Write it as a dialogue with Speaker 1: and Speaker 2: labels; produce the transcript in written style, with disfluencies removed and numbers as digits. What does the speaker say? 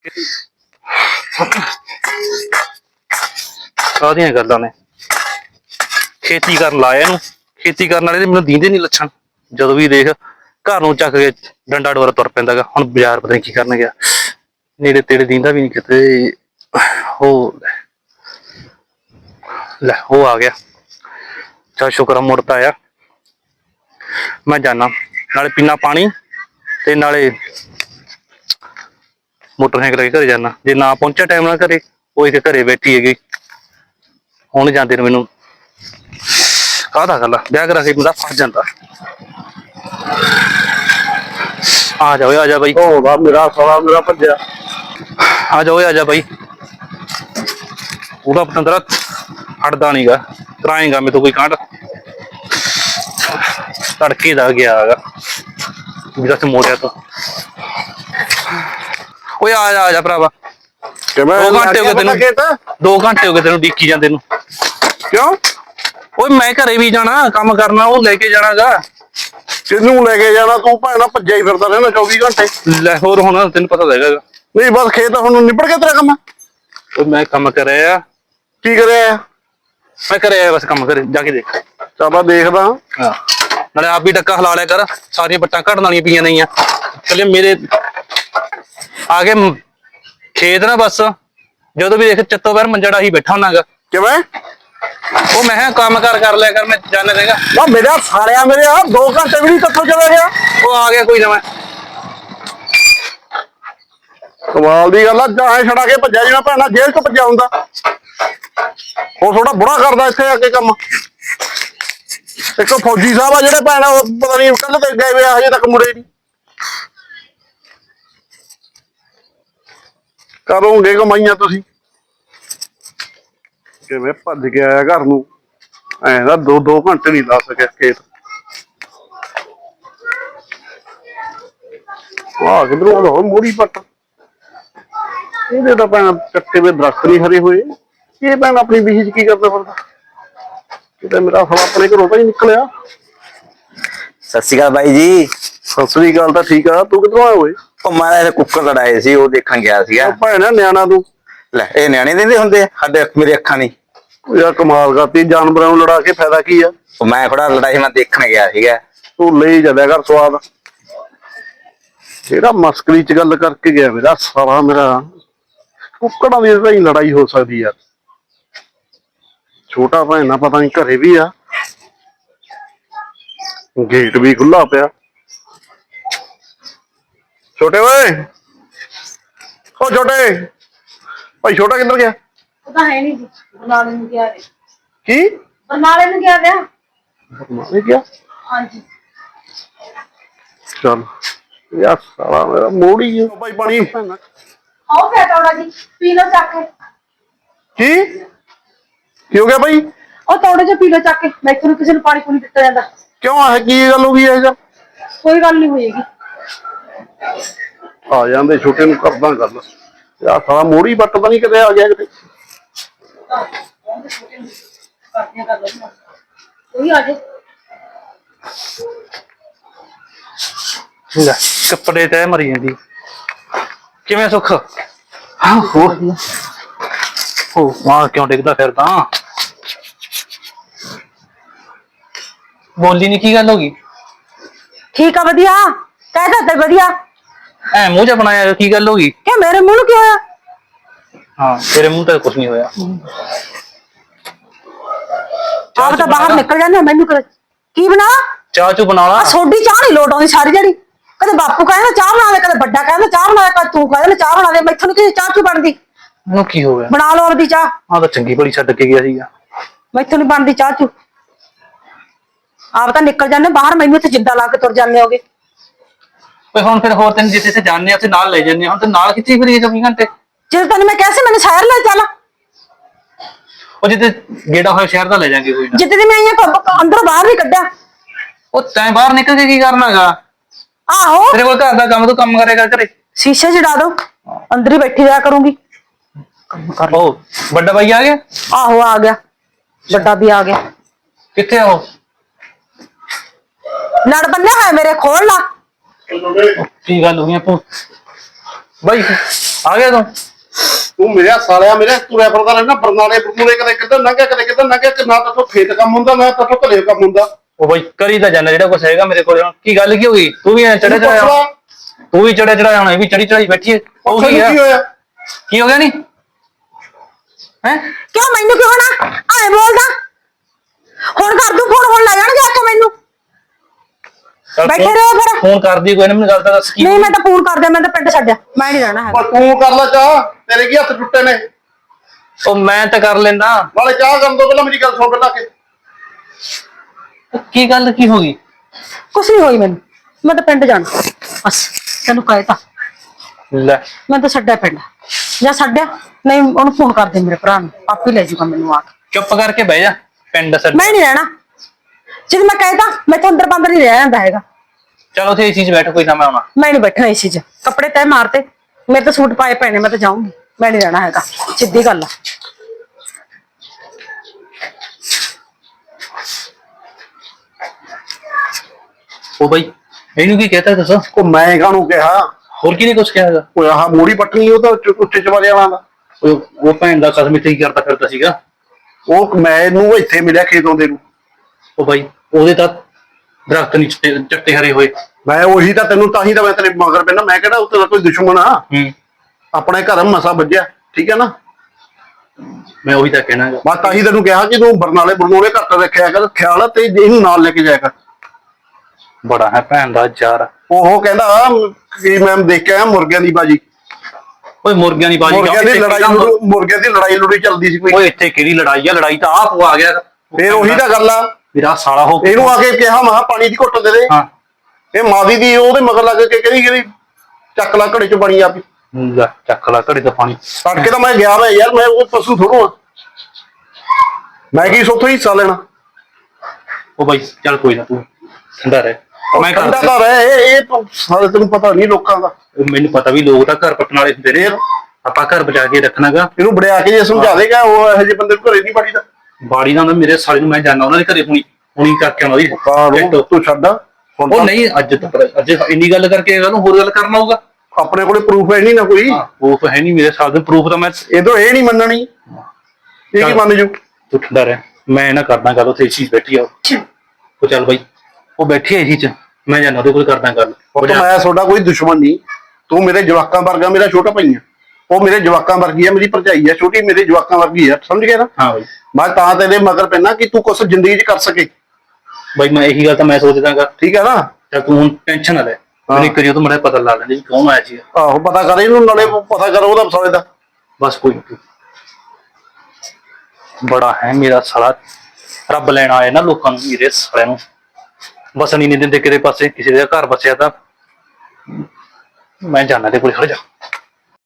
Speaker 1: ਕਾਹਦੀਆਂ ਗੱਲਾਂ ਨੇ। ਖੇਤੀ ਕਰਨ ਲਾਇਆ ਇਹਨੂੰ, ਖੇਤੀ ਕਰਨ ਵਾਲੇ ਦੇ ਮੈਨੂੰ ਦੀਂਦੇ ਨਹੀਂ ਲੱਛਣ। ਜਦੋਂ ਵੀ ਦੇਖ ਘਰ ਨੂੰ ਚੱਕ ਕੇ ਡੰਡਾ ਡੋਰਾ ਤੁਰ ਪੈਂਦਾ ਗਾ। ਹੁਣ ਬਾਜ਼ਾਰ ਪਤਾ ਨਹੀਂ ਕੀ ਕਰਨ ਗਿਆ, ਨੇੜੇ ਤੇੜੇ ਦੀਂਦਾ ਵੀ ਨਹੀਂ ਕਿਤੇ। ਹੋ ਲੈ ਉਹ ਆ ਗਿਆ, ਚੱਲ ਸ਼ੁਕਰ ਆ ਮੁੜਤਾ ਆਇਆ। ਮੈਂ ਜਾਣਾ, ਨਾਲੇ ਪੀਣਾ ਪਾਣੀ ਤੇ ਨਾਲੇ ਮੋਟਰਸਾਈਕਲ ਕੇ ਘਰੇ ਜਾਣਾ। ਜੇ ਨਾ ਪਹੁੰਚਿਆ ਟਾਈਮ ਨਾਲ ਘਰੇ, ਉਹ ਇੱਕ ਘਰੇ ਬੈਠੀ ਹੈਗੀ। ਹੁਣ ਜਾਂਦੇ ਨੂੰ ਮੈਨੂੰ ਕਾਹਦਾ ਗੱਲ ਆ, ਵਿਆਹ ਕਰਾ ਕੇ ਬੰਦਾ ਫਸ ਜਾਂਦਾ। ਆ ਜਾਓ, ਆ ਜਾ ਬਾਈ।
Speaker 2: ਉਹ ਮੇਰਾ ਸਾਲਾ ਮੇਰਾ ਭੱਜਿਆ।
Speaker 1: ਆ ਜਾਓ, ਆ ਜਾ ਬਾਈ। ਉਹਦਾ ਪਤੰਦਰਾ ਹਟਦਾ ਨੀਗਾ, ਕਰਾਏਗਾ ਮੇਰੇ ਤੋਂ ਕੋਈ ਕਾਂਡ। ਤੜਕੇ ਦਾ ਗਿਆ ਹੈਗਾ ਜਿੱਦਾਂ ਮੋੜਿਆ ਤੋਂ। ਓਏ ਆ ਜਾ ਭਰਾਵਾ। 2 ਘੰਟੇ ਹੋ ਗਏ ਤੈਨੂੰ, 2 ਘੰਟੇ ਹੋ ਗਏ ਤੈਨੂੰ ਡੀਕੀ ਜਾਂਦੇ ਨੂੰ।
Speaker 2: ਕਿਉਂ?
Speaker 1: ਓਏ ਮੈਂ ਘਰੇ ਵੀ ਜਾਣਾ, ਕੰਮ ਕਰਨਾ, ਉਹ ਲੈ ਕੇ ਜਾਣਾਗਾ।
Speaker 2: ਕਿਹਨੂੰ ਲੈ ਕੇ ਜਾਣਾ? ਤੂੰ ਭੈਣਾ ਭੱਜਿਆ ਹੀ ਫਿਰਦਾ ਰਹਿਣਾ 24 ਘੰਟੇ।
Speaker 1: ਲੈ ਹੋਰ ਹੁਣ ਤੈਨੂੰ ਪਤਾ ਤਾਂ ਹੈਗਾ।
Speaker 2: ਨਹੀਂ ਬਸ ਖੇਤ ਹੁਣ ਨਿਬੜ ਗਿਆ ਤੇਰਾ ਕੰਮ?
Speaker 1: ਓਏ ਮੈਂ ਕੰਮ ਕਰਿਆ।
Speaker 2: ਕੀ ਕਰਿਆ?
Speaker 1: ਮੈਂ ਕਰਿਆ ਬਸ ਕੰਮ, ਕਰੇ ਜਾ ਕੇ ਦੇਖ।
Speaker 2: ਚੱਲ ਮੈਂ ਦੇਖਦਾ।
Speaker 1: ਹਾਂ, ਨਾਲੇ ਆਪ ਵੀ ਡੱਕਾ ਹਿਲਾ ਲਿਆ ਕਰ, ਸਾਰੀਆਂ ਬੱਟਾਂ ਘੜਨ ਵਾਲੀਆਂ ਪਈਆਂ ਨਹੀਂ ਆ। ਚੱਲੇ ਮੇਰੇ ਆ ਗਏ ਖੇਤ ਨਾ, ਬਸ ਜਦੋਂ ਵੀ ਦੇਖ ਚੱਤੋ ਪੈਰ ਮੰਜੜਾ ਹੀ ਬੈਠਾ ਹੁੰਨਾਗਾ।
Speaker 2: ਕਿਵੇਂ?
Speaker 1: ਉਹ ਮੈਂ ਕਿਹਾ ਕੰਮ ਕਰ ਲਿਆ ਕਰ, ਮੈਂ ਜਾਣ ਦੇਗਾ।
Speaker 2: ਨਾ ਮੇਰਾ ਸਾਲਿਆ, ਮੇਰੇ 2 ਘੰਟੇ ਵੀ ਨਹੀਂ ਕਿੱਥੋਂ ਚਲੇ ਗਿਆ।
Speaker 1: ਉਹ ਆ ਗਿਆ ਕੋਈ ਨਾ। ਮੈਂ
Speaker 2: ਕਮਾਲ ਦੀ ਗੱਲ ਆ, ਚਾਹੇ ਛੜਾ ਕੇ ਭੱਜਿਆ ਜਿਵੇਂ ਭੈਣਾ ਜੇਲ੍ਹ ਤੋਂ ਭੱਜਿਆ ਹੁੰਦਾ। ਉਹ ਥੋੜਾ ਬੁੜਾ ਕਰਦਾ ਇੱਥੇ ਆ ਕੇ ਕੰਮ। ਇੱਕ ਫੌਜੀ ਸਾਹਿਬ ਆ ਜਿਹੜੇ ਭੈਣਾ, ਉਹ ਪਤਾ ਨਹੀਂ ਕੱਲ ਤੇ ਗਏ ਵੇ, ਹਜੇ ਤੱਕ ਮੁੜੇ ਨਹੀਂ। ਕਰੋਗੇ ਕਮਾਈਆਂ ਤੁਸੀਂ? ਕਿਵੇਂ ਭੱਜ ਕੇ ਆਇਆ ਘਰ ਨੂੰ? ਐਂ ਦਾ 2 ਘੰਟੇ ਨਹੀਂ ਲਾ ਸਕਿਆ ਖੇਤ। ਆਹ ਕਿਧਰੋਂ ਆਦਾ ਮੋੜੀ ਪੱਟ। ਇਹਦੇ ਤਾਂ ਭੈਣ ਚੱਕੇ ਵੇ ਦਰਖਤ ਨਹੀਂ ਹਰੇ ਹੋਏ। ਇਹ ਭੈਣ ਆਪਣੀ ਬੀਹੀ ਚ ਕੀ ਕਰਦਾ ਫਿਰਦਾ? ਕਿਤੇ ਮੇਰਾ ਸਾਲਾ ਆਪਣੇ ਘਰੋਂ ਤਾਂ ਹੀ ਨਿਕਲਿਆ।
Speaker 3: ਸਤਿ ਸ਼੍ਰੀ ਅਕਾਲ ਬਾਈ ਜੀ।
Speaker 2: ਸਤਿ ਸ੍ਰੀ ਅਕਾਲ ਤਾਂ ਠੀਕ ਆ, ਤੂੰ ਕਿੱਧਰੋਂ ਆਇਆ ਓਏ?
Speaker 3: ਉਹ ਮੈਂ ਕੁੱਕਰ ਲੜਾਏ ਸੀ, ਉਹ ਦੇਖਣ ਗਿਆ ਸੀਗਾ।
Speaker 2: ਭੈਣਾ ਨਿਆਣਾ ਤੂੰ।
Speaker 3: ਲੈ ਇਹ ਨਿਆਣੇ ਦਿੰਦੇ ਹੁੰਦੇ ਆ ਸਾਡੇ, ਮੇਰੇ ਅੱਖਾਂ ਨਹੀਂ।
Speaker 2: ਯਾਰ ਕਮਾਲ ਕਰਤੀ, ਜਾਨਵਰਾਂ ਨੂੰ ਲੜਾ ਕੇ ਫਾਇਦਾ ਕੀ ਆ?
Speaker 3: ਉਹ ਮੈਂ ਥੋੜਾ ਲੜਾਈ ਮੈਂ ਦੇਖਣ ਗਿਆ ਸੀਗਾ।
Speaker 2: ਤੂੰ ਲਈ ਚੱਲਿਆ ਕਰ ਸਵਾਦ। ਜਿਹੜਾ ਮਸਕਰੀ ਚ ਗੱਲ ਕਰਕੇ ਗਿਆ ਮੇਰਾ ਸਾਲਾ, ਮੇਰਾ ਕੁੱਕੜਾਂ ਦੀ ਤਾਂ ਹੀ ਲੜਾਈ ਹੋ ਸਕਦੀ ਯਾਰ। ਛੋਟਾ ਭੈਣਾ ਪਤਾ ਨਹੀਂ ਘਰੇ ਵੀ ਆ, ਗੇਟ ਵੀ ਖੁੱਲਾ ਪਿਆ। ਛੋਟੇ ਓਏ, ਓ ਛੋਟੇ ਭਾਈ, ਛੋਟਾ ਕਿੱਧਰ ਗਿਆ?
Speaker 4: ਉਹ ਤਾਂ ਹੈ ਨਹੀਂ ਜੀ, ਬਰਨਾਲੇ ਨੂੰ ਗਿਆ।
Speaker 2: ਕੀ
Speaker 4: ਬਰਨਾਲੇ ਨੂੰ ਗਿਆ ਵਿਆਹ?
Speaker 2: ਬਰਨਾਲੇ ਗਿਆ?
Speaker 4: ਹਾਂਜੀ।
Speaker 2: ਚੱਲ ਯਾਰ ਸਾਲਾ ਮੇਰਾ ਮੋੜੀ ਆ ਭਾਈ। ਪਾਣੀ
Speaker 4: ਆਓ ਪਿਆ ਤੌੜਾ ਜੀ, ਪੀ ਲਓ ਚੱਕ ਕੇ।
Speaker 2: ਕੀ ਹੋ ਗਿਆ ਭਾਈ?
Speaker 4: ਉਹ ਤੌੜੇ ਚ ਪੀ ਲਓ ਚੱਕ ਕੇ, ਮੈਥੋਂ ਨੀ ਕਿਸੇ ਨੂੰ ਪਾਣੀ ਪੂਣੀ ਦਿੱਤਾ ਜਾਂਦਾ।
Speaker 2: ਕਿਉਂ ਆ ਕੀ ਗੱਲ ਹੋ ਗਈ ਇਹ?
Speaker 4: ਕੋਈ ਗੱਲ ਨਹੀਂ ਹੋਏਗੀ।
Speaker 2: ਆ ਜਾਂਦੇ ਛੋਟੇ ਨੂੰ ਕਰਦਾ ਗੱਲ। ਯਾਰ ਸਾਲਾ ਮੋੜੀ ਵੱਟ ਤਾਂ ਨਹੀਂ ਕਿਤੇ ਆ ਗਿਆ ਕਿਤੇ?
Speaker 4: ਕੋਈ ਆ ਜੇ।
Speaker 1: ਲੈ ਕੱਪੜੇ ਤੈ ਮਰੀ ਜਾਂਦੀ। ਕਿਵੇਂ ਸੁੱਖ? ਹਾਂ ਹੋ ਮਾਂ ਕਿਉਂ ਡਿੱਗਦਾ ਫਿਰਦਾ? ਬੋਲੀ ਨੀ, ਕੀ ਗੱਲ ਹੋ ਗਈ?
Speaker 4: ਠੀਕ ਆ, ਵਧੀਆ ਕਹਿਦਾ ਤੇ ਵਧੀਆ।
Speaker 1: ਐ ਮੂੰਹ ਜਿਹਾ ਬਣਾਇਆ, ਕੀ ਗੱਲ ਹੋ ਗਈ?
Speaker 4: ਕਿ ਮੇਰੇ ਮੂੰਹ ਨੂੰ ਕੀ ਹੋਇਆ?
Speaker 1: ਹਾਂ ਤੇਰੇ ਮੂੰਹ ਤੇ ਕੁਝ ਨਹੀਂ ਹੋਇਆ।
Speaker 4: ਆਪ ਤਾਂ ਬਾਹਰ ਨਿਕਲ ਜਾਂਦੇ, ਮੈਨੂੰ ਕੀ ਬਣਾ?
Speaker 1: ਚਾਹ ਚੂ ਬਣਾ ਲਾ।
Speaker 4: ਸੋਡੀ ਚਾਹ ਨਹੀਂ ਲੋਟ ਆਉਂਦੀ ਸਾਰੀ ਜਿਹੜੀ। ਕਦੇ ਬਾਪੂ ਕਹਿੰਦਾ ਚਾਹ ਬਣਾ ਦੇ, ਕਦੇ ਵੱਡਾ ਕਹਿੰਦਾ ਚਾਹ ਬਣਾ ਦੇ, ਕਦੇ ਤੂੰ ਕਹਿੰਦਾ ਚਾਹ ਬਣਾ ਦੇ। ਮੈਥੋਂ ਨੀ ਕਿਸੇ ਚਾਹ ਚੂ ਬਣਦੀ।
Speaker 1: ਉਹਨੂੰ ਕੀ ਹੋ ਗਿਆ?
Speaker 4: ਬਣਾ ਲਓ ਆਪਦੀ ਚਾਹ।
Speaker 1: ਆਹ ਤਾਂ ਚੰਗੀ ਭਲੀ ਛੱਡ ਕੇ ਗਿਆ ਸੀਗਾ।
Speaker 4: ਮੈਥੋਂ ਨੀ ਬਣਦੀ ਚਾਹ ਚੂ। ਆਪ ਤਾਂ ਨਿਕਲ ਜਾਂਦੇ ਬਾਹਰ, ਮੈਨੂੰ ਇੱਥੇ ਜਿੰਦਾ ਲਾ ਕੇ ਤੁਰ ਜਾਂਦੇ ਹੋਗੇ।
Speaker 1: ਓਏ ਹੁਣ ਫਿਰ ਹੋਰ ਤੈਨੂੰ ਜਿੱਥੇ ਜਾਣੇ ਆ ਉੱਥੇ ਨਾਲ ਲੈ ਜਾਂਦੇ ਆ। ਹੁਣ ਤੇ ਨਾਲ ਕਿੱਥੇ ਫਿਰੀ 24 ਘੰਟੇ?
Speaker 4: ਜਦੋਂ ਤੈਨੂੰ ਮੈਂ ਕਿਹਾ ਸੀ ਮੈਨੂੰ ਸ਼ਹਿਰ ਲੈ ਚੱਲ।
Speaker 1: ਉਹ ਜਿੱਥੇ ਗੇੜਾ ਹੋਇਆ ਸ਼ਹਿਰ ਦਾ ਲੈ ਜਾਾਂਗੇ ਕੋਈ ਨਾ।
Speaker 4: ਜਿੱਦੇ ਦੀ ਮੈਂ ਆਈਆਂ ਅੰਦਰੋਂ ਬਾਹਰ ਵੀ ਕੱਢਿਆ।
Speaker 1: ਉਹ ਤੈਂ ਬਾਹਰ ਨਿਕਲ ਕੇ ਕੀ ਕਰਨਾਗਾ?
Speaker 4: ਆਹੋ
Speaker 1: ਤੇਰੇ ਕੋਲ ਘਰ ਦਾ ਕੰਮ, ਤੂੰ ਕੰਮ ਕਰੇਗਾ ਘਰੇ।
Speaker 4: ਸ਼ੀਸ਼ੇ ਜੜਾ ਦੋ, ਅੰਦਰ ਹੀ ਬੈਠੀ ਰਿਹਾ ਕਰੂੰਗੀ।
Speaker 1: ਉਹ ਵੱਡਾ ਭਾਈ ਆ ਗਿਆ?
Speaker 4: ਆਹੋ ਆ ਗਿਆ, ਵੱਡਾ ਵੀ ਆ ਗਿਆ।
Speaker 1: ਕਿੱਥੇ ਆ ਉਹ?
Speaker 4: ਲੜ ਬੰਨਿਆ ਹੋਇਆ ਮੇਰੇ, ਖੋਲ ਲਾ।
Speaker 1: ਕੀ ਗੱਲ ਹੋਈ? ਬਾਈ ਆ ਗਿਆ ਤੂੰ?
Speaker 2: ਤੂੰ ਮੇਰੇ ਸਾਲਿਆ ਮੇਰੇ ਤੁਰਿਆ ਫਿਰਦਾ ਰਹਿਣਾ ਬਰਨਾਲੇ ਬਰਨੂਲੇ ਕਦੇ ਕਿੱਧਰ ਲੰਘਿਆ ਕਦੇ ਕਿੱਧਰ ਲੰਘਿਆ ਕਿ ਨਾ ਤਾਂ ਖੇਤ ਕੰਮ ਹੁੰਦਾ ਨਾ ਤਾਂ ਘਰੇ ਕੰਮ ਹੁੰਦਾ।
Speaker 1: ਉਹ ਬਾਈ ਕਰੀ ਤਾਂ ਜਾਂਦਾ ਜਿਹੜਾ ਕੁਛ ਹੈਗਾ ਮੇਰੇ ਕੋਲ। ਕੀ ਗੱਲ ਕੀ ਹੋ ਗਈ? ਤੂੰ ਵੀ ਚੜੇ ਚੜਾਇਆ, ਤੂੰ ਵੀ ਚੜੇ ਚੜਾਇਆ ਹੋਣਾ, ਇਹ ਵੀ ਚੜੀ ਚੜਾਈ ਬੈਠੀ ਹੈ। ਉਹ ਕੀ
Speaker 2: ਕੀ ਹੋਇਆ?
Speaker 1: ਕੀ ਹੋ ਗਿਆ? ਨਹੀਂ ਹੈ
Speaker 4: ਕਿਉਂ ਮੈਨੂੰ ਕਿਉਂ ਨਾ ਆਏ ਬੋਲਦਾ? ਹੁਣ ਕਰ ਦੂੰ ਫੋਨ, ਹੁਣ ਲੈ ਜਾਣਗੇ ਆ ਕੇ ਮੈਨੂੰ। ਬੈਠੇ ਰਹੋ ਫਿਰ।
Speaker 1: ਫੋਨ ਕਰਦੀ ਕੋਈ ਨਾ, ਮੈਨੂੰ ਗੱਲ ਤਾਂ ਦੱਸ ਕੀ।
Speaker 4: ਨਹੀਂ ਮੈਂ ਤਾਂ ਫੋਨ ਕਰ ਦਿਆਂ, ਮੈਂ ਤਾਂ ਪਿੰਡ ਛੱਡਿਆ, ਮੈਂ ਨਹੀਂ ਰਹਿਣਾ ਹੈਗਾ।
Speaker 2: ਪਰ ਤੂੰ ਕਰ ਲੈ ਚਾਹ, ਤੇਰੇ ਕੀ ਹੱਥ ਟੁੱਟੇ ਨੇ?
Speaker 1: ਉਹ ਮੈਂ ਤਾਂ ਕਰ ਲੈਂਦਾ।
Speaker 2: ਨਾਲੇ ਚਾਹ ਕਰਨ ਤੋਂ ਪਹਿਲਾਂ ਮੇਰੀ ਗੱਲ ਸੁਣ ਪਹਿਲਾਂ ਕੇ।
Speaker 1: ਕੀ ਗੱਲ ਕੀ ਹੋ ਗਈ?
Speaker 4: ਕੁਛ ਨਹੀਂ ਹੋਈ ਮੈਨੂੰ, ਮੈਂ ਤਾਂ ਪਿੰਡ ਜਾਣਾ ਬਸ, ਤੈਨੂੰ ਕਹਿ ਤਾ।
Speaker 1: ਲੈ
Speaker 4: ਮੈਂ ਤਾਂ ਛੱਡਿਆ ਪਿੰਡ, ਜਾਂ ਛੱਡਿਆ ਨਹੀਂ ਉਹਨੂੰ ਫੋਨ ਕਰ ਦੇ ਮੇਰੇ ਭਰਾ ਨੂੰ, ਆਪੇ ਲੈ ਜਾਊਗਾ ਮੈਨੂੰ ਆ ਕੇ।
Speaker 1: ਚੁੱਪ ਕਰਕੇ ਬਹਿ ਜਾ, ਪਿੰਡ ਸੱਡ।
Speaker 4: ਮੈਂ ਨਹੀਂ ਰਹਿਣਾ, ਜਦ ਮੈਂ ਕਹਿ ਤਾ ਮੈਂ ਤਾਂ ਅੰਦਰ ਬੰਦਰ ਨਹੀਂ ਰਹਿ ਜਾਂਦਾ ਹੈਗਾ।
Speaker 1: ਚਲੋ ਉੱਥੇ ਏਸੀ 'ਚ ਬੈਠੋ, ਕੋਈ ਨਾ ਮੈਂ ਆਉਣਾ।
Speaker 4: ਮੈਂ ਨਹੀਂ ਬੈਠਣਾ ਏਸੀ 'ਚ, ਕੱਪੜੇ ਤੈ ਮਾਰਤੇ, ਮੇਰੇ ਤਾਂ ਸੂਟ ਪਾਏ ਪਏ ਨੇ, ਮੈਂ ਤਾਂ ਜਾਊਂਗੀ, ਮੈਂ ਨਹੀਂ ਰਹਿਣਾ ਹੈਗਾ, ਸਿੱਧੀ ਗੱਲ ਆ।
Speaker 1: ਉਹ ਬਾਈ ਇਹਨੂੰ ਕੀ ਕਹਤਾ ਦੱਸੋ?
Speaker 2: ਉਹ ਮੈਂ ਕਾਹਨੂੰ ਕਿਹਾ?
Speaker 1: ਹੋਰ ਕੀ ਨਹੀਂ ਕੁਛ ਕਿਹਾ ਹੈਗਾ?
Speaker 2: ਉਹ ਆਹ ਮੋੜੀ ਪੱਟਣੀ ਉਹ ਤਾਂ ਉੱਚੇ ਚਵਾਰੇ ਵਾਲਾ ਦਾ।
Speaker 1: ਉਹ ਭੈਣ ਦਾ ਕਸਮ ਇੱਥੇ ਹੀ ਕਰਦਾ ਫਿਰਦਾ ਸੀਗਾ।
Speaker 2: ਉਹ ਮੈਨੂੰ ਇੱਥੇ ਮਿਲਿਆ ਖੇਤ ਆਉਂਦੇ ਨੂੰ।
Speaker 1: ਉਹ ਬਾਈ ਉਹਦੇ ਤਾਂ ਦਰਖਤ ਨਹੀਂ ਚੱਟੇ ਹਰੇ ਹੋਏ।
Speaker 2: ਮੈਂ ਉਹੀ ਤਾਂ ਤੈਨੂੰ ਤਾਂ ਹੀ ਤਾਂ ਮੈਂ ਤੇਰੇ ਮਗਰ ਪੈਣਾ। ਮੈਂ ਕਿਹੜਾ ਉੱਤੇ ਕੋਈ ਦੁਸ਼ਮਣ ਆ? ਆਪਣੇ ਘਰ ਮਸਾ ਵੱਜਿਆ, ਠੀਕ ਹੈ ਨਾ?
Speaker 1: ਮੈਂ ਉਹੀ ਤਾਂ ਕਹਿਣਾ ਹੈਗਾ।
Speaker 2: ਬਸ ਤਾਂ ਹੀ ਤੈਨੂੰ ਕਿਹਾ ਕਿ ਤੂੰ ਬਰਨਾਲੇ ਬਰਨੂਲੇ ਘੱਟ ਰੱਖਿਆ ਕਰ ਖਿਆਲ, ਤੇ ਇਹਨੂੰ ਨਾਲ ਲੈ ਕੇ ਜਾਇਆ ਕਰ।
Speaker 1: ਬੜਾ ਹੈ ਭੈਣ ਦਾ ਯਾਰ।
Speaker 2: ਉਹ ਕਹਿੰਦਾ ਕਿ ਮੈਂ ਦੇਖ ਕੇ ਆਇਆ ਮੁਰਗਿਆਂ ਦੀ ਬਾਜੀ।
Speaker 1: ਓਏ ਮੁਰਗਿਆਂ ਦੀ ਬਾਜੀ,
Speaker 2: ਮੁਰਗਿਆਂ ਦੀ ਲੜਾਈ ਲੁੜੀ ਚੱਲਦੀ ਸੀ ਕੋਈ।
Speaker 1: ਓਏ ਇੱਥੇ ਕਿਹੜੀ ਲੜਾਈ ਆ? ਲੜਾਈ ਤਾਂ ਆਪ ਆ ਗਿਆ।
Speaker 2: ਫੇਰ ਉਹੀ ਤਾਂ ਗੱਲ ਆ।
Speaker 1: ਮੇਰਾ ਸਾਲਾ ਹੋ
Speaker 2: ਇਹਨੂੰ ਆ ਕੇ ਕਿਹਾ ਮਹਾ ਪਾਣੀ ਦੀ ਘੁੱਟ ਦੇ ਦੇ।
Speaker 1: ਹਾਂ
Speaker 2: ਇਹ ਮਾਦੀ ਦੀ ਉਹਦੇ ਮਗਰ ਲੱਗ ਕੇ ਕਹਿੰਦੀ ਚੱਕ ਲਾ ਘੜੇ ਚ ਬਣੀ ਆ ਵੀ।
Speaker 1: ਲੈ ਚੱਕ ਲਾ ਘੜੇ ਦਾ ਪਾਣੀ।
Speaker 2: ਤੜਕੇ ਤਾਂ ਮੈਂ ਗਿਆ ਵਾ ਯਾਰ, ਮੈਂ ਉਹ ਪਸ਼ੂ ਥੋੜੋ ਆ, ਮੈਂ ਕੀ ਸੋਥੋਂ ਹਿੱਸਾ ਲੈਣਾ।
Speaker 1: ਉਹ ਬਾਈ ਚੱਲ ਕੋਈ ਨਾ, ਤੂੰ ਠੰਡਾ ਰਹਿ। ਮੈਂ
Speaker 2: ਕੰਡਾ
Speaker 1: ਕਰਦਾ।
Speaker 2: ਘਰ ਹੈ ਇਹ ਤਾਂ ਸਾਰੇ, ਤੈਨੂੰ ਪਤਾ ਨਹੀਂ ਲੋਕਾਂ ਦਾ।
Speaker 1: ਮੈਨੂੰ ਪਤਾ ਵੀ ਲੋਕ ਤਾਂ ਘਰ ਪੱਟਣ ਵਾਲੇ ਹੁੰਦੇ ਨੇ, ਆਪਾਂ ਘਰ ਬਚਾ ਕੇ ਰੱਖਣਾਗਾ।
Speaker 2: ਇਹਨੂੰ ਬੜਿਆ ਕੇ ਜੇ ਸਮਝਾ ਦੇਗਾ, ਉਹ ਇਹੋ ਜਿਹੇ ਬੰਦੇ ਨੂੰ ਘਰੇ ਨਹੀਂ ਬਾੜੀ ਦਾ।
Speaker 1: ਬਾੜੀ ਦਾ ਮੇਰੇ ਸਾਲੇ ਨੂੰ ਮੈਂ ਜਾਣਾ ਉਹਨਾਂ ਦੇ ਘਰੇ, ਹੁਣੀ ਕਰਕੇ ਆਉਣਾ ਉਹਦੀ।
Speaker 2: ਤੂੰ ਛੱਡ।
Speaker 1: ਉਹ ਨਹੀਂ ਅੱਜ ਇੰਨੀ ਗੱਲ ਕਰਕੇ ਇਹਨੂੰ ਹੋਰ ਗੱਲ ਕਰਨਾ ਹੋਊਗਾ।
Speaker 2: ਆਪਣੇ ਕੋਲੇ ਪ੍ਰੂਫ ਹੈ ਨਹੀਂ ਨਾ ਕੋਈ।
Speaker 1: ਪ੍ਰੂਫ ਹੈ ਨਹੀਂ ਮੇਰੇ ਸਾਲੇ, ਪ੍ਰੂਫ ਤਾਂ ਮੈਂ
Speaker 2: ਇਧਰੋਂ ਇਹ ਨਹੀਂ ਮੰਨਣੀ, ਇਹ ਕੀ ਮੰਨ ਜੂ?
Speaker 1: ਤੂੰ ਠੰਡਾ ਰਹਿ, ਮੈਂ ਨਾ ਕਰਦਾ ਗੱਲ। ਉੱਥੇ ਏਸੀ 'ਚ ਬੈਠੀ ਆ ਉਹ। ਚੱਲ ਬਾਈ ਉਹ ਬੈਠੀ ਏਸੀ 'ਚ, ਮੈਂ ਜਾਣਾ ਉਹਦੇ ਕੋਲ ਕਰਦਾ ਗੱਲ।
Speaker 2: ਮੈਂ ਤੁਹਾਡਾ ਕੋਈ ਦੁਸ਼ਮਣ ਨਹੀਂ, ਤੂੰ ਮੇਰੇ ਜਵਾਕਾਂ ਵਰਗਾ, ਮੇਰਾ ਛੋਟਾ ਭਾਈ ਆ। ਉਹ ਮੇਰੇ ਜਵਾਕਾਂ ਵਰਗੀ ਆ, ਮੇਰੀ ਭਰਜਾਈ ਆ ਛੋਟੀ, ਮੇਰੇ ਜਵਾਕਾਂ ਵਰਗੀ ਆ, ਸਮਝ ਗਿਆ ਨਾ?
Speaker 1: ਹਾਂ ਬਾਈ
Speaker 2: ਮੈਂ ਤਾਂ ਤੇਰੇ ਮਗਰ ਪੈਣਾ ਕਿ ਤੂੰ ਕੁਛ ਜ਼ਿੰਦਗੀ 'ਚ ਕਰ ਸਕੇ।
Speaker 1: ਬਾਈ ਮੈਂ ਇਹੀ ਗੱਲ ਤਾਂ ਮੈਂ ਸੋਚਦਾਗਾ।
Speaker 2: ਠੀਕ ਹੈ ਨਾ?
Speaker 1: ਚੱਲ ਤੂੰ ਹੁਣ ਟੈਨਸ਼ਨ ਨਾ ਲੈ, ਮੈਨੂੰ ਕਰੀਓ ਤੂੰ, ਮੇਰਾ ਪਤਾ ਲਾ ਲੈਂਦੇ ਜੀ ਕੌਣ ਆਇਆ ਸੀ।
Speaker 2: ਆਹੋ ਪਤਾ ਕਰ ਇਹਨੂੰ, ਨਾਲੇ ਪਤਾ ਕਰ ਉਹਦਾ ਸਾਲੇ ਦਾ।
Speaker 1: ਬਸ ਕੋਈ ਨੀ। ਬੜਾ ਹੈ ਮੇਰਾ ਸਾਲਾ, ਰੱਬ ਲੈਣ ਆਏ ਨਾ ਲੋਕਾਂ ਨੂੰ, ਮੇਰੇ ਸਾਲਿਆਂ ਨੂੰ ਬਸਣ ਹੀ ਨਹੀਂ ਦਿੰਦੇ ਕਿਤੇ ਪਾਸੇ। ਕਿਸੇ ਦਾ ਘਰ ਬਸਿਆ ਤਾਂ ਮੈਂ ਜਾਣਾ ਤੇ ਕੋਲ ਖੜ ਜਾ।